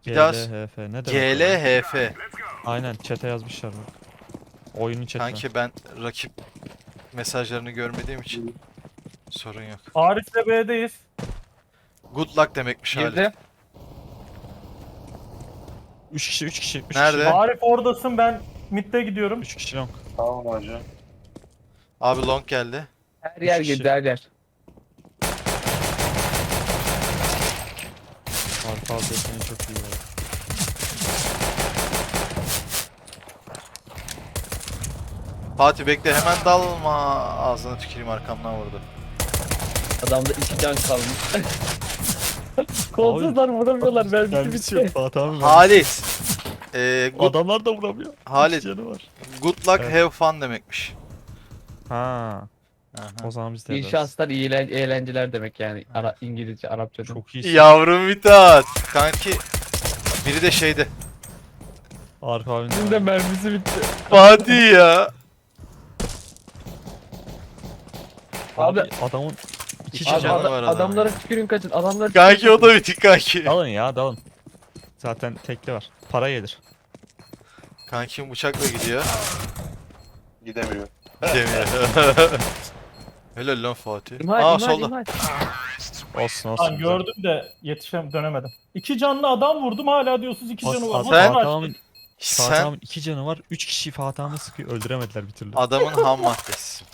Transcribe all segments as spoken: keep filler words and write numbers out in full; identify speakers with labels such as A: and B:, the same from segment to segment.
A: Bir daha
B: G L H F ne demek?
A: G L H F.
B: Aynen chat'e yazmışlar bak. Oyunun chat'ine.
A: Kanki ben rakip mesajlarını görmediğim için sorun yok.
C: Arif'le B'deyiz.
A: Good luck demekmiş hali.
D: Girdi.
B: üç kişi üç kişi üç
A: Nerede?
B: kişi.
C: Arif oradasın, ben mid'de gidiyorum.
B: üç kişi long.
E: Tamam hacı.
A: Abi long geldi.
D: Her yer
B: kişi.
D: girdi her yer.
B: Arka adresini çok iyi var.
A: Fatih bekle hemen dalma. Ağzına tüküreyim arkamdan vurdu.
D: Adamda iki can kalmış. Kolsuzlar vuramıyorlar. Mermisi
B: Mermisi yok
D: bitti.
B: Fatih abi.
A: Halis. Ee, good,
B: Adamlar da vuramıyor.
A: Halit.
B: İki canı var.
A: good luck
B: Evet.
A: have fun demekmiş.
B: Ha.
A: Aha.
B: O zaman biz de
D: İyi
B: ederiz.
D: şanslar, iyi eğlen- eğlenceler demek yani. Ara İngilizce, Arapça.
B: Çok iyi.
A: Yavrum Mithat. Kanki biri de şeyde.
B: Arka abinin
D: Bizim de mermisi bitti.
A: Fatih ya.
B: Abi,
D: Abi-
B: adamın iki
A: İki
B: canı
A: canı
B: var.
D: Ada-
A: var adamın.
D: adamlara tükürün kaçın. Adamlara
A: Kanki
D: tükürün
A: o da bitik kanki.
B: Dalın ya dalın. Zaten tekli var. Para gelir.
A: Kankim bıçakla gidiyor.
E: Gidemiyor.
A: Demiyor. Helal lan Fatih.
D: İmha,
A: Aa
D: imha,
A: solda.
D: imha.
B: Olsun olsun.
C: Lan
B: güzel.
C: gördüm de yetişem dönemedim. İki canlı adam vurdum, hala diyorsunuz iki
B: Bak,
C: canı var.
B: Fatih
A: Sen-
C: Nasıl
B: abimin- Fatih
A: Sen
B: abimin iki canı var. Üç kişi Fatih abimi sıkıyor. Öldüremediler bir türlü.
A: adamın ham maddesi.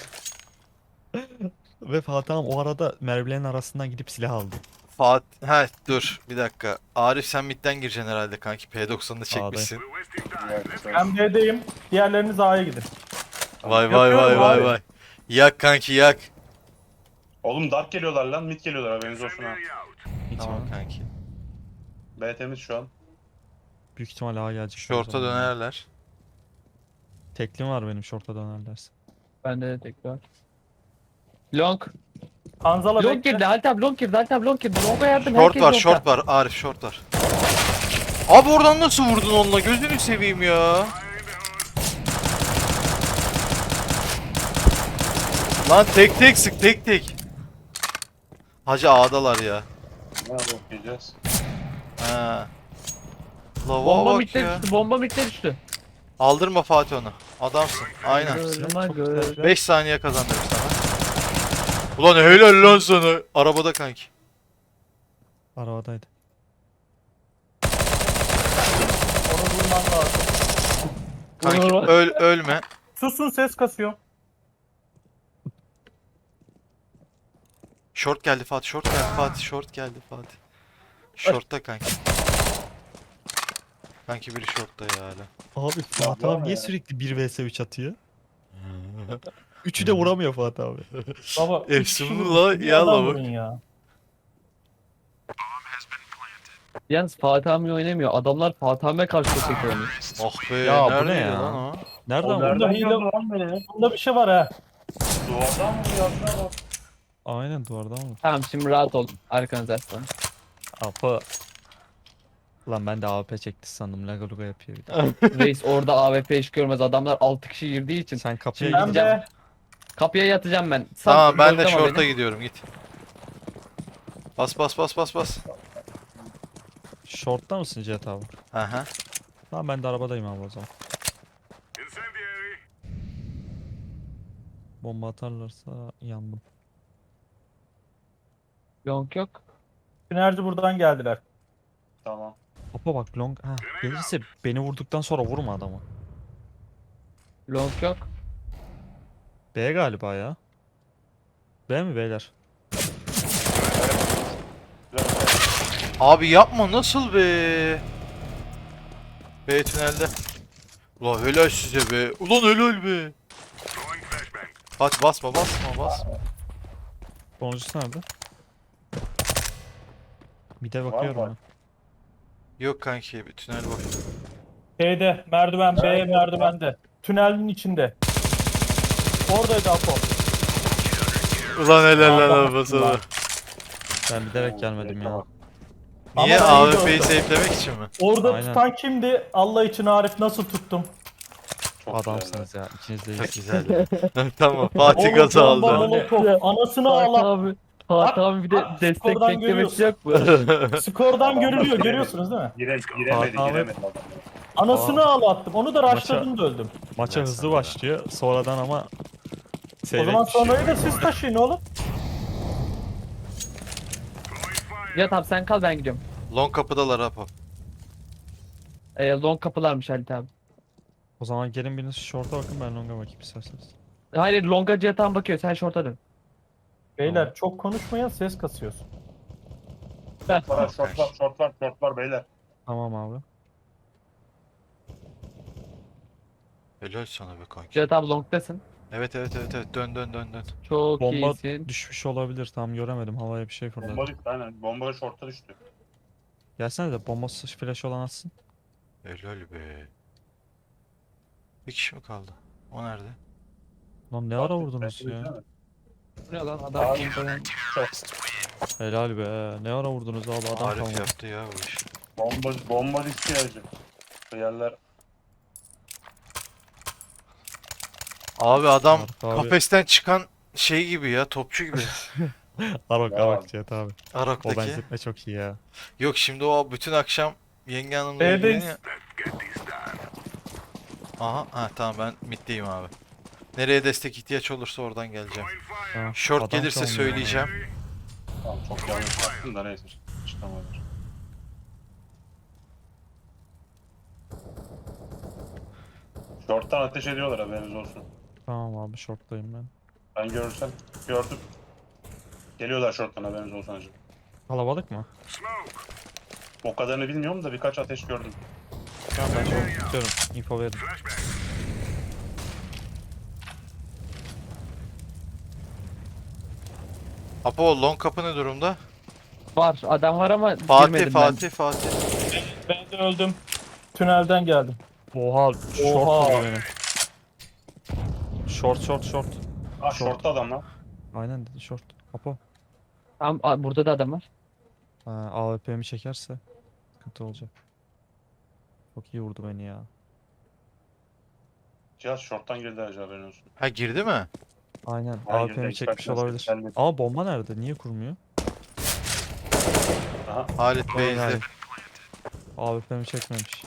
B: Ve Fatih abim o arada mermilerin arasından gidip silah aldı.
A: Fatih, he dur bir dakika. Arif sen midden gireceksin herhalde kanki. P doksanını çekmişsin.
C: Ben B'deyim, diğerleriniz A'ya gidin.
A: Vay vay vay
C: Yapıyorum
A: vay
C: abi.
A: vay. Yak kanki yak.
E: Oğlum dark geliyorlar lan. Mid geliyorlar haberiniz olsun ha.
B: Hiç
A: Tamam
B: var.
A: kanki.
E: B temiz şu an.
B: Büyük ihtimal A gelecek.
A: Şorta dönerler.
B: Teklim var benim şorta dönerlerse.
D: Bende de tek var. Long.
C: Hanzala
D: Long
C: bekle.
D: girdi. Halit abi long girdi. Halit abi long girdi. Long'a yardım.
A: Short
D: herkes
A: var
D: long'da.
A: short var Arif short var. Abi oradan nasıl vurdun onunla gözünü seveyim ya. Lan tek tek sık tek tek. Hacı A'dalar ya.
E: Ne bakacağız?
A: Ha. Lava
D: Bomba
A: bak
D: mitte
A: ya.
D: düştü. Bomba mitte düştü.
A: Aldırma Fatih onu. Adamsın. Aynen.
D: Görme
B: Çok
D: gör.
B: güzel.
A: beş saniye kazandırır sana. Ulan helal lan sana. Arabada kanki.
B: Arabadaydı.
C: Onu vurman lazım.
A: Kanki
D: Vurma.
A: öl ölme.
C: Susun, ses kasıyor.
A: Short geldi Fatih, short geldi Fatih, short geldi Fatih. Short'ta kanki. Kanki biri short'ta ya hala.
B: Abi Fatih
E: var
B: abi niye
E: ya.
B: sürekli bir vs üç atıyor? Üçü de vuramıyor Fatih abi.
C: Baba, üç
A: Efsun
C: kişi
A: la,
C: vurmuş, bir
A: yalla
C: adam
A: bak.
C: vurun ya.
D: Yalnız Fatih abi oynamıyor. Adamlar Fatih abiye karşı çekiyor onu.
A: Oh be,
B: Ya bu ne
A: neredeydi
B: ya?
A: lan o?
B: Nereden
E: O
B: vurdu?
C: Burada
E: nereden
C: hile
E: geldi lan beni?
C: Bunda bir şey var ha.
E: Duvardan mı yazına bak.
B: Aynen duvardan vurdu.
D: Tamam şimdi rahat ol. Arkanıza aslan.
B: Apa. Lan ben de A W P çekti sandım. Laga luga yapıyor bir de.
D: Reis orada A W P iş görmez. Adamlar altı kişi girdiği için.
B: Sen kapıya
D: Şimdi
C: Ben
B: git.
D: gideceğim.
C: de
D: Kapıya yatacağım ben. Sal,
A: Tamam ben de
D: gözleme
A: short'a
D: beni.
A: gidiyorum git. Bas bas bas bas bas.
B: Short'ta mısın Cihat abi?
A: Aha.
B: Tamam ben de arabadayım abi o zaman. Bomba atarlarsa yandım.
D: Long yok.
C: Sinerji buradan geldiler.
E: Tamam.
B: Apa bak long ha gelirse beni vurduktan sonra vurma adamı.
D: Long yok.
B: B galiba ya. B mi beyler?
A: Abi yapma nasıl be? B tünelde. Ulan helal size be. Ulan helal be. Fatih basma basma basma.
B: Sonuncusu nerede? Bir de
E: Var
B: bakıyorum
E: mı?
B: ben.
A: Yok kanki bir tünel boş.
C: Şeyde, merdiven, B merdivende. Tünelin içinde. Oradaydı Apo.
A: Ulan helal lan
C: Aa,
A: arabası.
C: bak.
B: Ben bilerek gelmedim ya.
A: Niye
C: Ama
A: A
C: iyi
A: W P'yi
C: gördüm.
A: safelemek için mi?
C: Orada
B: Aynen.
C: tutan kimdi? Allah için Arif, nasıl tuttum?
E: Çok
B: Adamsınız ya. İkiniz de
A: Çok
B: iyisiniz.
A: güzel. Tamam Fatih
C: Oğlum,
A: gazı
C: bomba,
A: aldı.
C: molotof. Anasını
D: Fatih
C: ağla.
D: abi. Fatih abi bir de
C: bak,
D: destek
C: skordan
D: beklemesi yok mu?
C: Skordan görülüyor,
E: giremedi.
C: görüyorsunuz değil mi?
E: Gire, giremedi
B: Fatih abi-
E: giremedi adam.
C: Anasını ağlattım. Onu da
B: Maça-
C: rushladım da öldüm.
B: Maça
A: Ben
B: hızlı
A: sana da.
B: başlıyor. Sonradan ama
C: O
B: seyrek
C: zaman
B: düşüyor.
C: sonrayı da siz taşıyın oğlum.
D: Ya tamam sen kal ben gidiyorum.
A: Long kapıdalar Apo.
D: Ee, long kapılarmış Halit abi.
B: O zaman gelin biriniz short'a bakın, ben long'a bakayım isterseniz.
D: Hayır longa Cihat'a bakıyor sen short'a dön.
C: Beyler çok konuşmayan ses kasıyorsun.
E: Shortlar, shortlar, shortlar, shortlar beyler.
B: Tamam abi.
A: Helal sana be kanki.
D: Cihat abi long'dasın.
A: Evet evet evet evet dön dön dön dön.
D: Çok
B: Bomba
D: iyisin.
B: düşmüş olabilir, tam göremedim, havaya bir şey fırladı.
E: Bomba düştü aynen. Bomba short'a düştü.
B: Gelsene de bombası flash olan atsın.
A: Helal be. Bir kişi mi kaldı? O nerede?
B: Lan ne ara vurdunuz ya?
D: Bu ne lan adam
E: Abi.
D: bombadan-
B: Helal be. Ne ara vurdunuz abi, adam
A: Arif
B: kalmadı.
A: yaptı ya bu işi.
E: Bomba, bomba düştü ya hacı. Bu yerler
A: Abi adam
B: Arif abi.
A: kafesten çıkan şey gibi ya, topçu gibi.
B: Arok
E: Ya.
B: Arok Cihat abi. O
A: Arak'taki.
B: benzetme çok iyi ya.
A: Yok şimdi o bütün akşam yenge hanımla
C: B'deyiz.
A: ilgileniyor. Aha, ha tamam ben middeyim abi. Nereye destek ihtiyaç olursa oradan geleceğim.
B: Ha,
A: Short
B: adam
A: gelirse
B: kalmıyor
A: söyleyeceğim.
E: tamam, çok yanlış yaptım da neyse. Çıkamadım. Short'tan ateş ediyorlar haberiniz olsun.
B: ya. Tamam abi, short'tayım ben.
E: Ben görürsem gördüm. Geliyorlar short'tan haberiniz olsun hacı.
B: Kalabalık mı?
E: O kadarını bilmiyorum da birkaç ateş gördüm.
B: Tamam ben short tutuyorum. Info verin.
A: Apo long kapı ne durumda?
D: Var adam var ama
A: Fatih
D: girmedim
A: Fatih Fatih.
C: Ben de öldüm. Tünelden geldim.
B: Oha, short
C: Oha.
B: vurdu beni. Short short short.
E: Ah
B: Short.
E: short'ta adam lan.
B: Aynen dedi short. Apo.
D: ben. Tamam a- burada da adam var.
B: Ha, A W P'mi çekerse sıkıntı olacak. Çok iyi vurdu beni ya.
E: Cihaz short'tan girdi hacı haberin olsun.
A: Ha girdi mi?
B: Aynen.
E: Hayır,
B: A W P'mi
E: direkt
B: çekmiş
E: bakmaz,
B: olabilir.
E: gelmedi.
B: Ama bomba nerede? Niye kurmuyor?
E: Aha.
A: Halit Bey'de.
B: Aynen. A W P'mi çekmemiş.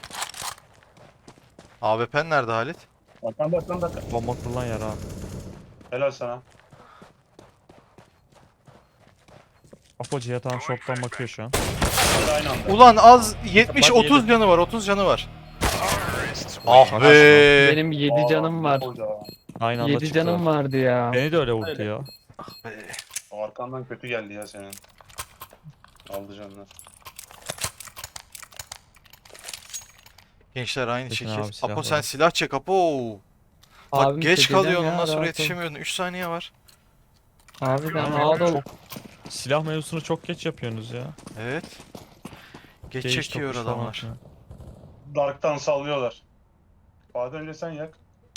A: A W P'n nerede Halit?
E: Arkanda arkanda.
B: Bomba kurulan yer abi.
E: Helal sana.
B: Apo Cihat tam short'tan bakıyor şu an.
E: Hadi aynı anda.
A: Ulan az yetmiş
B: Bak,
A: otuz
B: yedim.
A: canı var, otuz canı var. Ah
B: Bak,
A: be.
D: Benim yedi canım var.
B: Aynı anda
D: yedi
B: çıktı.
D: canım vardı ya.
B: Beni de öyle vurdu
C: Öyle.
B: ya.
A: Be.
E: O arkandan kötü geldi ya senin. Aldı canlar.
A: Gençler aynı
B: Çekin
A: şekil.
B: abi, silah
A: Apo sen
B: var.
A: silah çek Apo. Bak
D: Abim
A: geç
D: çekeceğim
A: kalıyorsun
D: ya,
A: ondan sonra
D: rahat ol.
A: yetişemiyorsun. üç saniye var.
D: Harbiden
B: Ama
D: rahat ol.
B: çok- Silah mevzusunu çok geç yapıyorsunuz ya.
A: Evet. Geç
B: Gauge
A: çekiyor
B: topuş falan
A: adamlar.
B: filan.
E: Dark'tan sallıyorlar. Fatih önce sen yak.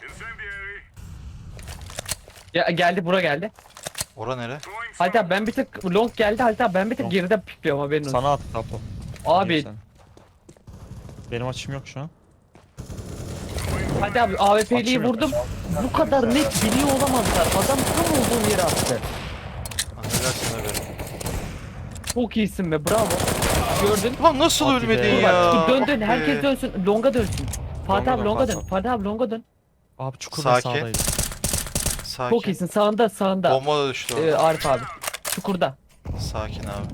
D: Ya geldi bura geldi.
A: Ora nere?
D: Halit abi ben bir tık long geldi Halit abi ben bir tık
B: Long.
D: geride pikliyorum haberin olsun.
B: Sana attı Apo.
D: Abi
B: İyi sen. Benim açım yok şu an.
D: Halit abi A W P'liyi
B: Açım yok.
D: vurdum. Bu kadar net biliyor olamazlar. Adam tam olduğum yere attı.
A: Affedersin abi.
D: Çok iyisin be bravo. Gördün.
A: Ulan nasıl
B: Hadi
A: ölmedin
B: be.
D: Dur
A: ya?
D: bak dur, dön
A: Ah
D: dön
A: be.
D: herkes dönsün. Longa dönsün. Fatih
A: Longa
D: abi
A: dön,
D: longa
A: Fatih
D: dön. Fatih abi longa dön.
B: Abi çukur ve
A: Sakin.
B: sağdaydı.
A: Sakin.
D: Çok iyisin sağında sağında.
A: Bomba da düştü
D: Ee,
A: orada.
D: Arif abi. Çukurda.
A: Sakin abi.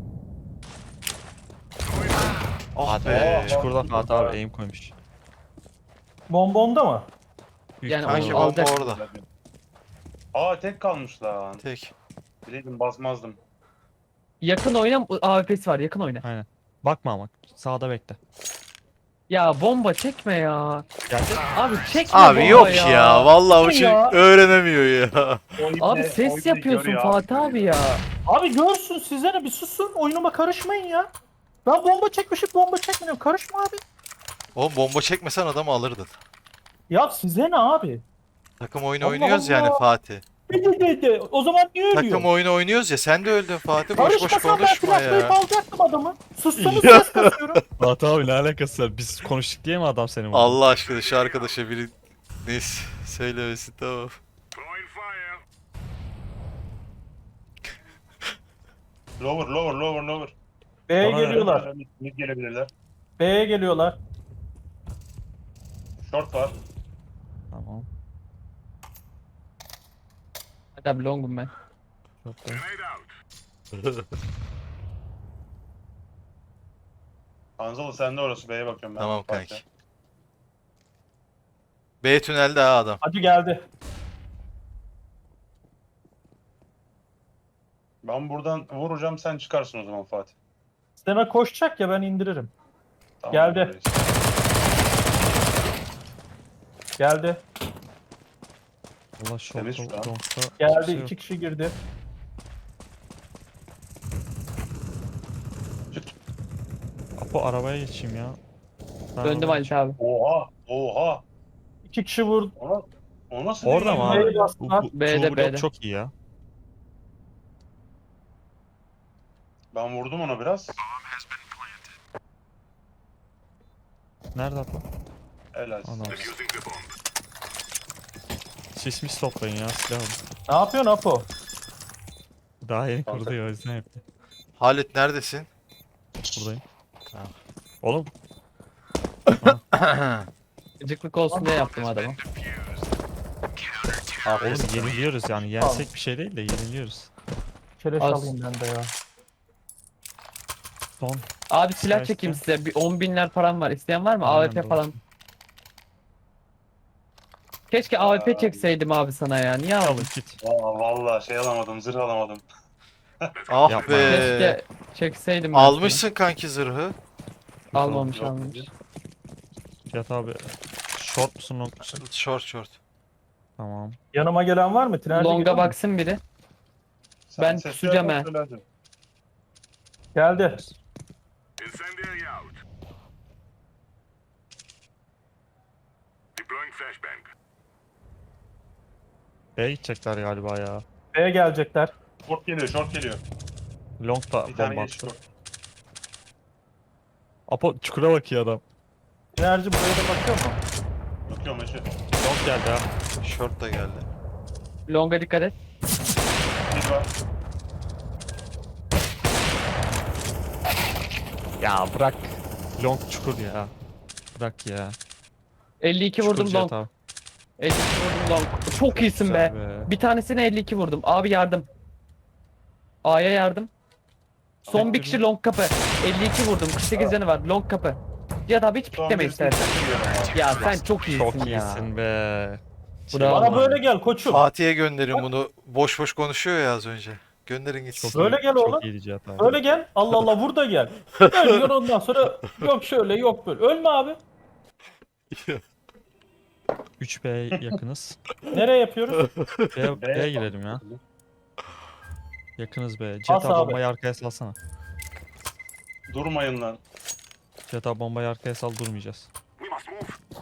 A: Ah
B: Hadi
A: be.
B: be. Çukurda Fatih abi aim koymuş.
C: Bomba onda mı?
B: Büyük
D: Yani
B: ihtimalle
A: Kanki
D: onu
A: bomba
D: alacak.
A: orada.
E: Aa tek kalmış lan.
A: Tek.
E: Bileydim basmazdım.
D: Yakın oyna A W P'si var yakın oyna.
B: Aynen. Bakma ama. Sağda bekle.
D: Ya bomba çekme ya.
B: Geldi.
D: Abi çekme
A: Abi
D: bomba
A: yok ya. Vallahi bu
C: Ne
A: çocuk
C: ya?
A: öğrenemiyor ya.
D: Abi ses yapıyorsun Fatih abi ya.
C: Abi görsün size ne, bir susun, oyunuma karışmayın ya. Ben bomba çekmişim, bomba çekmiyorum, karışma abi.
A: Oğlum bomba çekmesen adamı alırdın.
C: Ya size ne abi?
A: Takım oyunu
C: Allah
A: oynuyoruz yani
C: Allah.
A: Fatih.
C: De, de, de, de. O zaman niye
A: Takım
C: ölüyorsun?
A: oyunu oynuyoruz ya, sen de öldün Fatih. Boş boş
C: Karışmasam ben
A: konuşma
C: flashlayıp
A: ya.
C: alacaktım adamı. Sussanız ses kasıyorum.
B: Fatih abi ne alakası var? Biz konuştuk diye mi adam seni vurdu?
A: Allah aşkına şu arkadaşa biri neyse söylemesin tamam.
E: Lower, lower, lower, lower.
C: B'ye
B: Bana ne?
C: geliyorlar.
E: Mid, mid gelebilirler.
C: B'ye geliyorlar.
E: Short var.
B: Tamam.
D: Hadi abi longum ben.
B: Çok da.
E: Anzalı sen de orası. B'ye bakıyorum ben.
A: Tamam
E: Fatih.
A: kanki. B tünelde ha adam.
C: Hadi geldi.
E: Ben buradan vuracağım, sen çıkarsın o zaman Fatih.
C: Sisteme koşacak ya ben indiririm.
E: Tamam,
C: Geldi.
E: öyleyiz.
C: Geldi.
B: Allah şu
E: Temiz şu an.
B: longta
C: Geldi.
B: kimse yok.
C: iki kişi girdi.
B: Apo arabaya geçeyim ya. Ben
D: Döndüm
B: arabaya
D: Halit abi.
E: Oha, oha.
C: İki kişi vurdu.
E: Ona, o nasıl
B: Orada
E: değil
B: mı
E: ya?
B: abi?
C: B'ye
B: Bu,
C: bastılar.
B: bu,
D: B'de,
B: True Blood
D: B'de.
B: çok iyi ya.
E: Ben vurdum ona biraz.
B: Nerede Apo?
E: Helal.
B: Adam. Sis mis toplayın ya silah alın.
C: Ne yapıyorsun Apo?
B: Daha yeni
E: Kanka.
B: kurdu ya o yüzden yaptı.
A: Halit neredesin?
B: Buradayım.
A: Tamam.
B: Oğlum
D: Gıcıklık olsun diye yaptım adamı.
B: oğlum yeniliyoruz yani. Yensek bir şey değil de yeniliyoruz.
C: Keleş
D: Az.
C: alayım ben de ya.
B: Son.
D: Abi silah
B: İsterse-
D: çekeyim size. Bir on binler param var. İsteyen var mı?
B: Aynen
D: A W P
B: doğru.
D: falan. Keşke A W P
E: Aa.
D: çekseydim abi sana ya. Niye
B: Alın
D: aldın?
B: git.
E: Aa, vallahi şey alamadım, zırh alamadım.
A: Ah
B: Yapma.
A: be.
D: Keşke çekseydim ben
A: Almışsın kanki zırhı.
D: sana. Almamış
E: Yok,
D: almamış.
B: Fiyat abi. Short musun long musun?
A: Short short.
B: Tamam.
C: Yanıma gelen var mı? Tünelde
D: Longa
C: gelen mi?
D: baksın biri.
E: Sen
D: Ben
E: sesli
D: kusacağım
E: yapma,
D: he.
E: söyle hadi.
C: Geldi.
F: Incendiary out. Deploying flashbang.
B: B'ye gidecekler galiba ya.
C: B'ye gelecekler.
E: Short geliyor, short geliyor.
B: Long da
E: Bir tane
B: bomba
E: geç
B: attı.
E: short.
B: Apo çukura bakıyor adam.
C: Enerji buraya da bakıyor mu?
E: Bakıyorum eşi.
B: Long geldi ha.
A: Short da geldi.
D: Longa dikkat et.
E: Bir var.
B: Ya bırak. Long çukur ya. Bırak ya.
D: elli iki
B: Çukur
D: vurdum
B: Cihat
D: long.
B: abi.
D: elli iki vurdum long. Çok iyisin be.
B: Güzel
D: Bir tanesine elli iki vurdum. Abi yardım. A'ya yardım. Son bir kişi long kapı. elli iki vurdum. kırk sekiz canı var. Long kapı. Cihat abi hiç
E: Son
D: pikleme
E: birisini
D: istersen.
E: çekiyorum abi.
D: Ya sen çok iyisin
B: Çok
D: ya.
B: iyisin be.
D: Bravo.
C: Bana böyle gel koçum.
A: Fatih'e gönderin bunu. Boş boş konuşuyor ya az önce. Gönderin gitsin.
B: Çok
C: Böyle
B: iyi-
C: gel
B: çok
C: oğlum.
B: iyiydi Cihat abi.
C: Öyle gel. Allah Allah vur da gel. Ölüyor ondan sonra yok şöyle yok böyle. Ölme abi.
B: üç B yakınız.
C: Nereye yapıyoruz?
B: B,
E: B'ye
B: B'ye girelim ya. Yakınız B. Cihat
C: As
B: abi
C: abi.
B: bombayı arkaya salsana.
E: Durmayın lan.
B: Cihat abi bombayı arkaya sal durmayacağız.
F: We must move.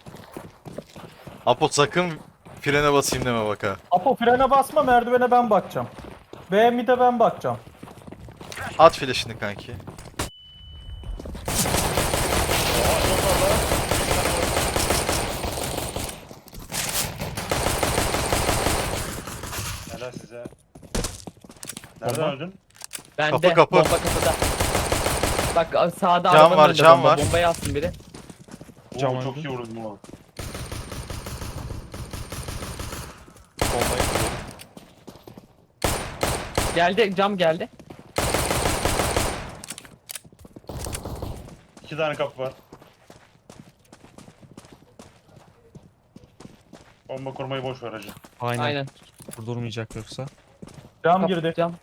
A: Apo sakın frene basayım deme bak ha.
C: Apo frene basma merdivene ben bakacağım. B mid'e ben bakacağım.
A: At flash'ını kanki.
E: Helal size. Nereden
B: Bomba.
E: öldün?
D: Bende.
A: Kapı, kapı.
D: Bomba kapıda. Bak sağda
A: Cam
D: arabanın
A: var,
D: önünde
A: cam
D: bomba.
A: var.
D: Bombayı alsın biri.
B: Cam
E: Oo, çok
B: öldü.
E: iyi vurdum oğlum.
A: Bombayı kuruyorum.
D: Geldi cam geldi.
E: İki tane kapı var. Bomba kurmayı boş ver hacı.
B: Aynen.
D: Aynen.
B: Durmayacak yoksa.
C: Cam
D: Kap-
C: girdi.
D: Cam.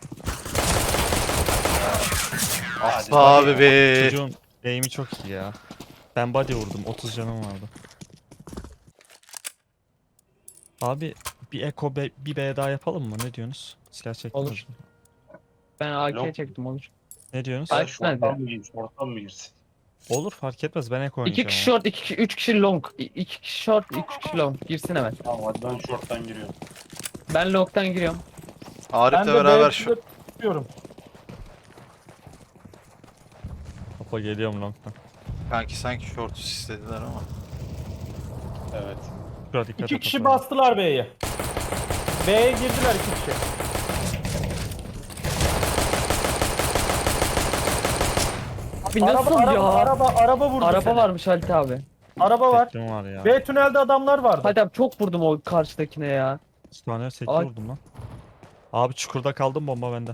E: Hadi.
A: Abi be.
B: Çocuğun aim'i çok iyi ya. Ben body vurdum. otuz canım vardı. Abi bir Eko B, bir B daha yapalım mı? Ne diyorsunuz? Silah çektiniz
D: Olur.
B: mi?
D: Ben A K
E: Yok.
D: çektim olur.
B: Ne diyorsunuz?
D: Ay,
E: Sen şorttan mı girsin? Şorttan mı girsin?
B: Olur fark etmez. Ben Eko
D: İki
B: oynayacağım.
D: kişi
B: ama.
D: short, iki kişi, üç kişi long. İ- İki kişi short, üç kişi long. Girsin hemen.
E: Tamam hadi ben şorttan giriyorum.
D: Ben long'tan giriyorum.
C: Ben
A: Arif'le
C: de
A: beraber
C: B'ye
A: şu.
C: tutuyorum.
B: Hopa geliyorum long'dan.
A: Kanki sanki short istediler ama.
E: Evet.
B: Şuraya dikkat
C: İki
B: et
C: kişi
B: Hopa.
C: bastılar B'ye. B'ye girdiler iki kişi.
D: Abi nasıl
C: araba,
D: ya?
C: araba, araba, araba vurdu
D: Araba
C: seni.
D: varmış Halit abi.
C: Araba var.
B: Teklim var ya.
C: B tünelde adamlar vardı.
D: Halit abi çok vurdum o karşıdakine ya.
B: İki tane tekli
D: Ay.
B: vurdum lan. Abi çukurda kaldım, bomba bende.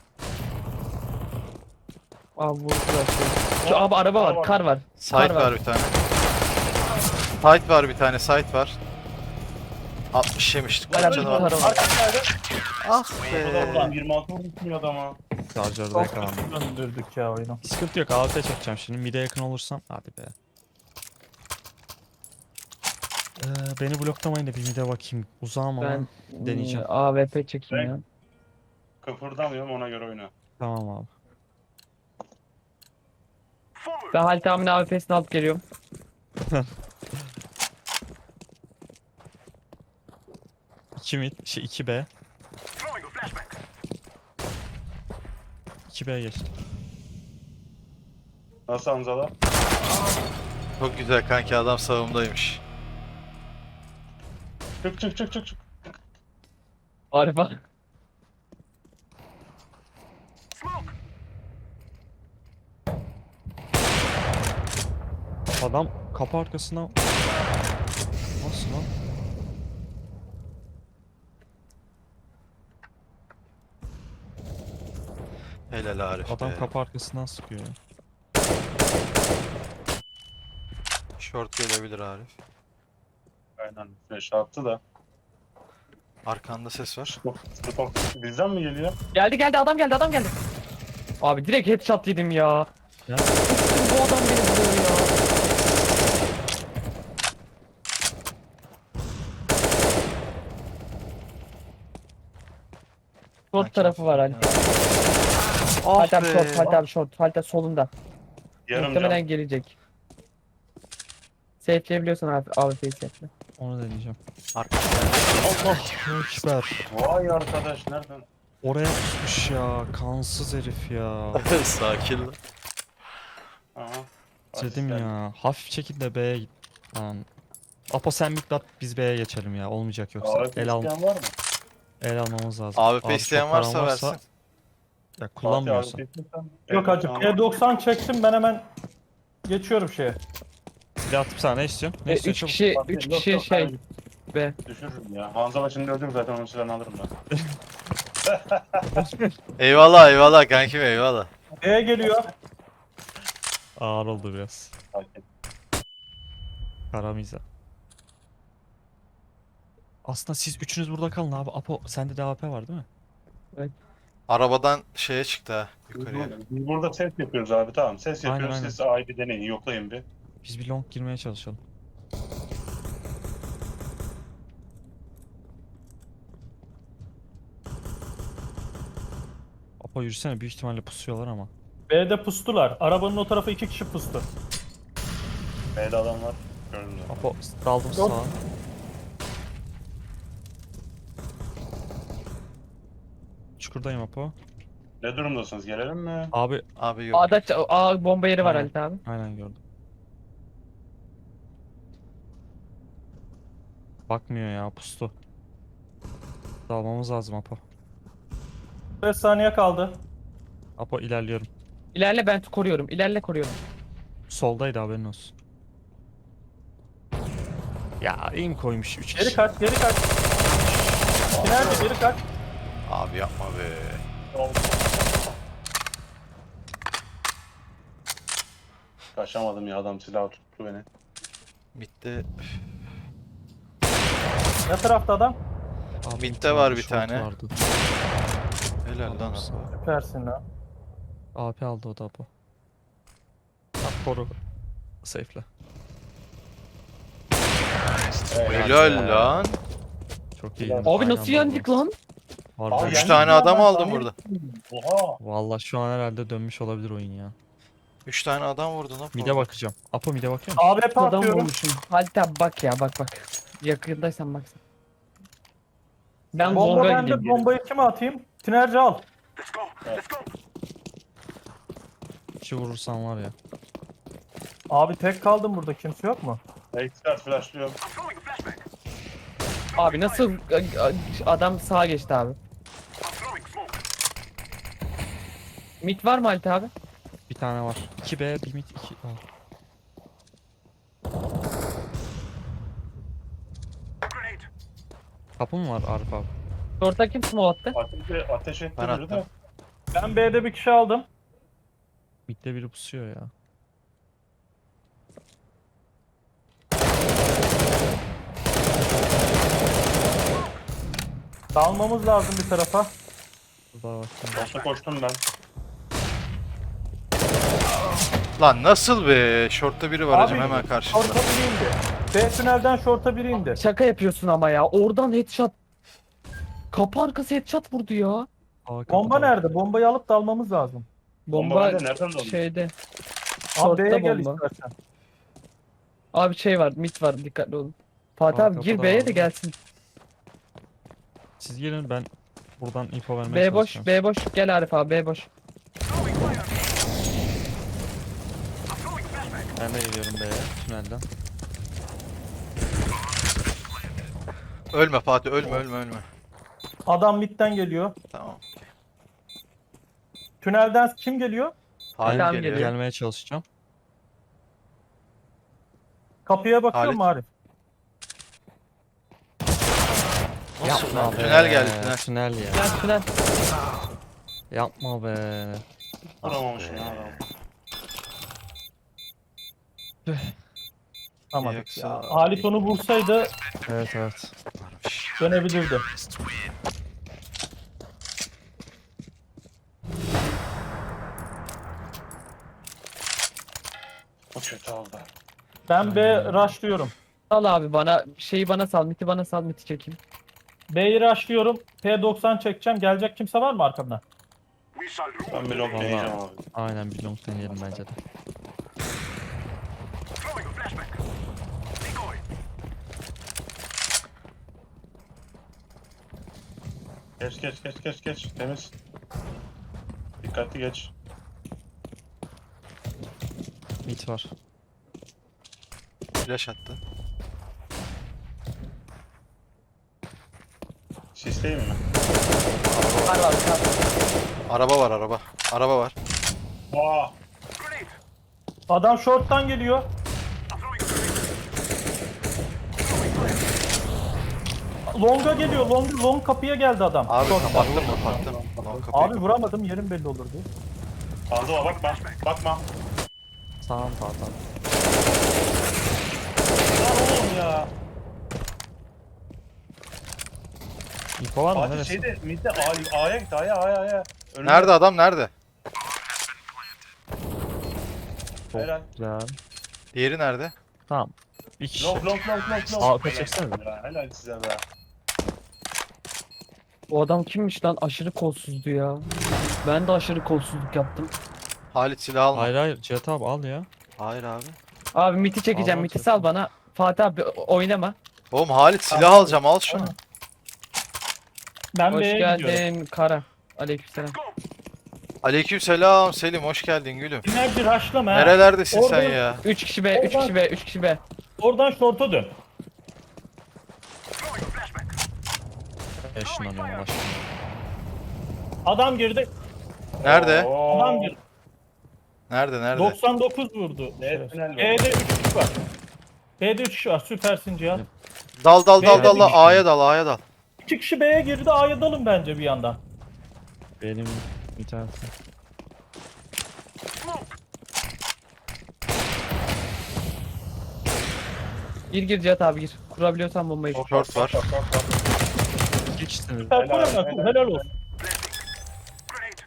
D: Abi vurdular şey. Şu abi araba var, kar var.
A: Site
D: Kar
A: var.
D: var.
A: bir tane. Site var bir tane, site var. altmış yemiştik.
D: Bayağı
A: Kaç
D: bir
A: canı var?
D: kar var.
A: Ah
E: Ulan
A: be.
E: yirmi altı vurmuşsun adama.
B: Şarjörde
C: Çok
B: yakalandım.
C: döndürdük ya oyunu.
B: Sıkıntı yok, A W P çekeceğim şimdi. Mid'e yakın olursam. Hadi be. Ee, beni bloklamayın da bir mid'e bakayım. Uzağım ama.
D: Ben
B: deneyeceğim.
D: e, A W P çekeyim
E: Ben-
D: ya.
E: Kıpırdamıyorum ona göre oyna.
B: Tamam abi.
D: Ben Halit abinin A W P'sini alıp geliyorum.
B: iki mid, şey iki B. iki B geçti.
E: Nasıl Hamzalar?
A: Çok güzel kanki, adam savundaymış.
E: Çık çık çık çık çık.
D: Araba.
B: Adam kapı arkasına... Nasıl lan?
A: Helal Arif
B: Adam
A: be.
B: kapı arkasından sıkıyor ya.
A: Short gelebilir Arif.
E: Aynen. Flash attı da.
A: Arkanda ses var.
E: Stop. Bizden mi geliyor?
D: Geldi geldi adam geldi adam geldi. Abi direkt headshot yedim ya.
B: Ya.
D: Bu adam beni vuruyor ya. Short
A: Kanki
D: tarafı var
A: aferin
D: Halit.
A: ya.
D: Halit
A: Ah
D: abi short,
A: be.
D: Halit abi short, Halit abi solunda.
E: Yarım
D: Muhtemelen
E: can.
D: gelecek. Safe'leyebiliyorsan abi A W P'yi safe'le.
B: Onu deneyeceğim.
A: Arkada.
B: Allah ekber.
E: Vay arkadaş nereden?
B: Oraya tutmuş ya. Kansız herif ya.
A: Sakin lan.
E: Aha.
B: Dedim
E: Asistan.
B: ya. Hafif çekin de B'ye git. Lan. Apo sen miklat, biz B'ye geçelim ya. Olmayacak yoksa.
E: A W P
B: El, al,
E: isteyen var mı?
B: el almamız lazım.
A: A W P
B: Abi
A: isteyen
B: çok paran
A: varsa versin.
B: Ya kullanmıyorsun.
E: Fatih A W P istiyorsan-
C: Yok hacı
E: Tamam.
C: P doksan çektim ben hemen geçiyorum şeye.
B: Silah atıp sana ne istiyorsun? Ne
D: E,
B: istiyorsun?
D: üç
B: Çabuk.
D: kişi,
E: Fatih,
D: üç
E: yok,
D: kişi
E: yok,
D: şey.
E: ben
D: Be.
E: Düşürürüm ya. Hamza şimdi öldüm zaten onun silahını alırım ben.
A: Eyvallah eyvallah kankim, eyvallah.
C: B'ye geliyor.
B: Ağır oldu biraz.
E: Sakin.
B: Karamiza. Aslında siz üçünüz burada kalın abi. Apo sende de A W P var değil mi?
A: Arabadan şeye çıktı ha,
E: Biz
A: yukarıya.
E: burada- Biz burada ses yapıyoruz abi tamam. Ses
B: Aynen,
E: yapıyoruz.
B: aynen.
E: Siz A'yı bir deneyin. Yoklayın bir.
B: Biz bir long girmeye çalışalım. Apo yürüsene, büyük ihtimalle pusuyorlar ama.
C: B'de pustular. Arabanın o tarafı iki kişi pustu.
E: B'de adam var. Gördüm zaten.
B: Apo daldım
C: Yok.
B: sağa. Çukurdayım Apo.
E: Ne durumdasınız? Gelelim mi?
B: Abi
A: Abi yok.
D: A'da ç- A bomba yeri var
B: Aynen.
D: Halit abi.
B: aynen gördüm. Bakmıyor ya, pustu. Dalmamız lazım Apo.
C: beş saniye kaldı.
B: Apo ilerliyorum.
D: İlerle ben koruyorum. İlerle koruyorum.
B: Soldaydı, haberin olsun. Ya aim koymuş üç
C: Geri
B: kişi.
C: kaç, geri kaç. Nerede geri kaç.
A: Abi yapma be.
E: Kaçamadım ya adam silahı tuttu beni.
A: Mid'de
C: Ne tarafta adam?
B: Abi,
A: Mid'de
B: ulti
A: var
B: vardı,
A: bir
B: short
A: tane.
B: vardı.
A: helal lan.
B: Adamsın.
C: Süpersin lan.
B: A P aldı o da Apo. Bak koru. Safe'le.
A: Helal lan.
B: Çok iyi.
E: Abi
D: Abi nasıl yendik lan?
B: Harbi.
E: Abi
A: Üç
E: yani-
A: tane adam aldım burada.
E: Oha.
B: Valla şu an herhalde dönmüş olabilir oyun ya.
A: Üç tane adam vurdu lan.
B: Mid'e bakacağım. Apo mid'e bakıyor musun?
C: A W P
D: Adam
C: atıyorum.
D: vurmuşum. Halit abi bak ya bak bak. Yakındaysan baksana. Ben
C: Bomba
D: longa
C: bende.
D: gideyim. geri.
C: Bombayı kime atayım? Tinerci al.
B: İki vurursan var ya.
C: Abi tek kaldım burada. Kimse yok mu?
E: Expert flashlıyorum.
D: Abi nasıl adam sağa geçti abi. Mid var mı Halit abi?
B: Bir Bir tane var. iki B, bir mid, iki A.
F: Grenade.
B: Kapı mı var Arif abi?
D: Short'a kim smoke attı?
E: Ateş, ateş etti
A: Ben
E: biri de.
A: attım.
C: Ben B'de bir kişi aldım.
B: Mid'de biri pusuyor ya.
C: Dalmamız lazım bir tarafa.
B: Burada bak.
E: Boşta koştum ben.
A: Lan nasıl be? Short'ta biri var
C: Abi,
A: hacım hemen karşımda.
C: Şorta biri indi. B tünelden şorta biri indi.
D: Şaka yapıyorsun ama ya. Oradan headshot. Kapı arkası headshot vurdu ya.
B: A kapıda
C: Bomba
B: var.
C: nerede? Bombayı alıp dalmamız lazım.
E: Bomba
D: Bomba
E: bende, nereden döndü?
D: şeyde.
C: Abi B'ye
D: Short'ta
C: gel
D: bomba.
C: istersen.
D: Abi şey var, mid var, dikkatli olun. Fatih
B: Aa,
D: abi gir
B: kapıda
D: B'ye
B: var
D: de
B: mı?
D: gelsin.
B: Siz gelin ben buradan info vermeye
D: B boş,
B: çalışacağım.
D: B boş. Gel Arif abi, B boş.
F: Throwing fire. I'm throwing flashbang.
B: Ben de geliyorum B'ye tünelden.
A: Ölme Fatih ölme ölme ölme.
C: Adam midden geliyor.
A: Tamam.
C: Tünelden kim geliyor?
A: Halim
D: Tamam,
A: geliyor.
D: geliyor.
B: Gelmeye çalışacağım.
C: Kapıya bakıyor
A: Halit.
C: mu Arif?
A: Nasıl
B: Yapma
A: lan?
B: be.
A: Tünel geldi tünel.
B: Tünel ya.
D: Gel tünel.
B: Yapma be.
E: Vuramamışım ya adam.
C: Tamam.
A: Yoksa-
C: Ya, Halit onu vursaydı
B: Evet evet.
A: Varmış.
C: dönebilirdi.
E: Bu kötü oldu.
C: Ben B rushlıyorum.
D: Sal abi bana, şeyi bana sal, miti bana sal, miti çekeyim.
C: B'yi rushlıyorum. P doksan çekeceğim. Gelecek kimse var mı arkamdan?
F: We shall rule
E: Ben bir
F: the
E: long
F: day.
E: deneyeceğim abi.
B: Aynen bir long deneyelim bence de.
F: Throwing a flashbang. Decoy.
E: Geç geç geç geç geç. Temiz. Dikkatli geç.
B: Mid var.
A: Flash attı.
E: Sisteyim mi?
D: Var var, var.
A: Araba var araba. Araba var.
E: Vaa!
F: Grenade.
C: Adam short'tan geliyor.
F: I'm throwing a grenade.
C: Long'a geliyor. Long, long kapıya geldi adam.
A: Abi
C: Short'tan.
A: kapattım kapattım. Lan kapıyı
C: Abi vuramadım. Yerim belli olurdu.
E: Fazla bakma. Bakma.
B: Sağım sağdan.
E: Lan oğlum ya.
B: Info var mı?
E: Fatih
B: Neresi?
E: şeyde midde A- A'ya gitti. A'ya A'ya A'ya. Önünde.
A: Nerede adam nerede?
B: Çok
E: Helal.
B: güzel.
A: Diğeri nerede?
B: Tamam. Bir kişi.
E: Long long long long long.
B: Aa,
E: Helal.
B: çeksene.
E: Helal, helal size be.
D: O adam kimmiş lan? Aşırı kolsuzdu ya. Ben de aşırı kolsuzluk yaptım.
A: Halit silah alma.
B: Hayır hayır Cihat abi al ya.
A: Hayır abi.
D: Abi miti çekeceğim,
B: Allah
D: miti
B: çeksin.
D: sal bana. Fatih abi oynama.
A: Oğlum Halit silah alacağım al şunu.
C: Ben
D: Hoş
C: B'ye gidiyorum.
D: geldin Kara. Aleykümselam.
A: Aleyküm selam Selim hoş geldin gülüm.
C: Enerji rushlama. ha.
A: Nerelerdesin sen
C: Oradan-
A: ya?
D: üç kişi B, üç kişi B, üç kişi B.
C: Oradan short'a dön.
F: Throwing a flashbang.
B: Eşinlanıyorum başına.
C: Adam girdi.
A: Nerede?
E: Oo.
C: Adam girdi.
A: Nerede nerede?
C: doksan dokuz vurdu.
E: Evet, tünel
C: B'de üç kişi var. B'de üç kişi var. Süpersin Cihat.
A: Dal dal dal
C: Beyler
A: dal
C: bir
A: dal
C: kişi.
A: A'ya dal A'ya dal.
C: İki kişi B'ye girdi. A'ya dalın bence bir yandan.
B: Benim internetim.
D: Gir gir Cihat abi gir. Kurabiliyorsan bombayı.
A: Short var.
B: İki kişisiniz.
C: Süper
E: Helal,
C: helal, helal,
E: helal.
C: helal olsun.
F: Grenade.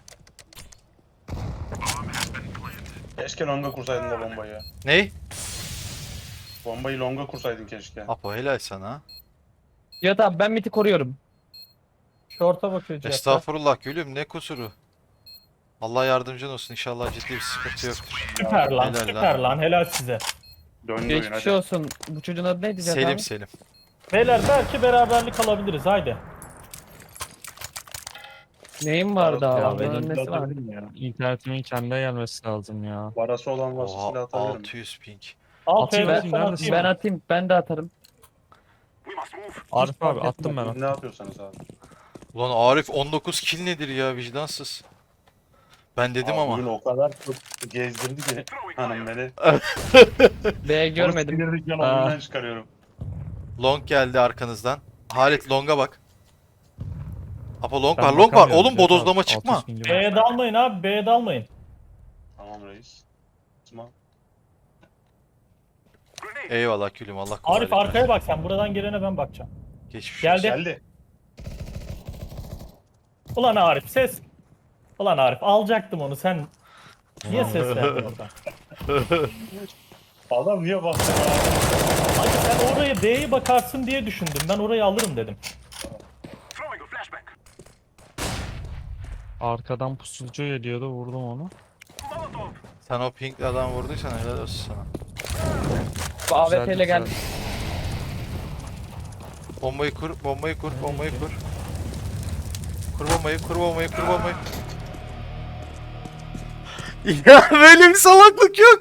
E: Keşke longa kursaydın da bombayı.
A: Ney?
E: Bombayı longa kursaydın keşke.
A: Apo helal sana.
D: Cihat abi ben miti koruyorum.
C: Short'a bakıyor Cihat.
A: Estağfurullah gülüm ne kusuru. Allah yardımcın olsun inşallah ciddi bir sıkıntı yoktur.
C: Süper lan,
A: Helal
C: süper lan. Helal size.
E: Döndü oyun
D: Geçmiş
E: hadi.
D: olsun. Bu çocuğun adı neydi Cihat
A: Selim
D: abi?
A: Selim.
C: Beyler belki beraberlik alabiliriz. Haydi.
D: Neyim vardı
B: Ya
D: abi?
B: benim
D: Onun nesi vardı?
E: Atabilirim ya.
B: İnternetimin kendine gelmesi lazım ya.
E: Parası olan varsa silah
A: Oha
E: atabilirim.
A: altı yüz ping.
C: Al
B: Atayım,
C: P
B: atayım,
C: doksan
B: neredesin?
C: atayım.
D: Ben atayım, ben de atarım.
F: We must move.
B: Arif abi attım ben.
E: Ne yapıyorsanız abi.
A: Ulan Arif on dokuz kill nedir ya vicdansız. Ben dedim
E: Abi
A: ama.
E: Bugün o kadar çok gezdirdi ki hanım beni.
D: B görmedim.
E: Onu sinirlikten
D: Aa.
E: oyundan çıkarıyorum.
A: Long geldi arkanızdan. Halit Long'a bak. Apo long
B: Ben
A: var, long var.
B: bakamıyorum
A: Oğlum
B: Cihat abi,
A: bodozlama
B: altı yüz
A: çıkma.
B: pingim var.
C: B'ye dalmayın abi. B'ye dalmayın.
E: Tamam reis. Tamam.
F: Grenade.
A: Eyvallah külüm, Allah kolaylık
C: Arif
A: versin.
C: arkaya bak sen. Buradan gelene ben bakacağım.
A: Geçmiş
C: Geldi.
A: olsun.
E: Geldi.
C: Ulan Arif ses. Ulan Arif alacaktım onu sen. Niye ses verdin oradan?
E: Adam niye bastı ya?
C: Hadi sen oraya B'ye bakarsın diye düşündüm. Ben orayı alırım dedim.
F: Throwing a flashback.
B: Arkadan pusucu geliyordu, vurdum onu.
F: Molotov.
A: Sen o pink adam vurduysan helal olsun sana.
D: Bu A W P
B: Güzeldi,
D: ile geldi.
B: güzeldi.
A: Bombayı kur, bombayı kur, bombayı kur. Kur bombayı, kur bombayı, kur bombayı. Ya böyle bir salaklık yok.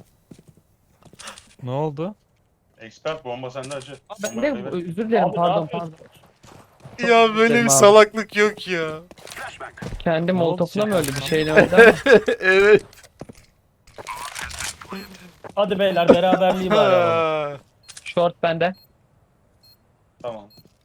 B: Ne oldu?
E: Expert bomba sende acı.
D: Aa, ben de özür dilerim
C: Abi, ne
D: pardon
C: yapıyorsun?
D: pardon.
A: Ya böyle
D: Dedim
A: bir
D: abi.
A: salaklık yok ya.
F: Flashback.
D: Kendi
B: Ne oldu
D: molotofla mı
B: sen?
D: öldü bir şeyle öldü ama.
A: Evet.
C: Hadi beyler beraberliği bari alalım.
D: Short bende.
E: Tamam.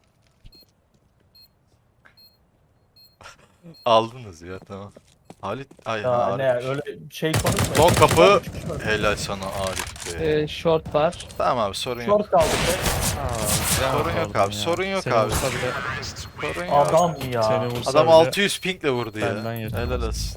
A: Aldınız ya, tamam. Halit, ay
C: Ya
A: Arif.
C: ne öyle şey konuşmayın.
A: Son kapı. Helal sana Arif be.
D: Ee, short var.
A: Tamam abi, sorun yok.
C: Short kaldı be.
A: Sorun yok
B: Pardon
A: abi,
B: ya.
A: sorun yok
B: Seni
A: abi.
B: vursa bile,
A: Sorun yok.
C: Adam ya.
B: seni vursa
A: Adam
B: bile
A: altı yüz pingle vurdu ya.
B: benden yeter.
A: Helal olsun.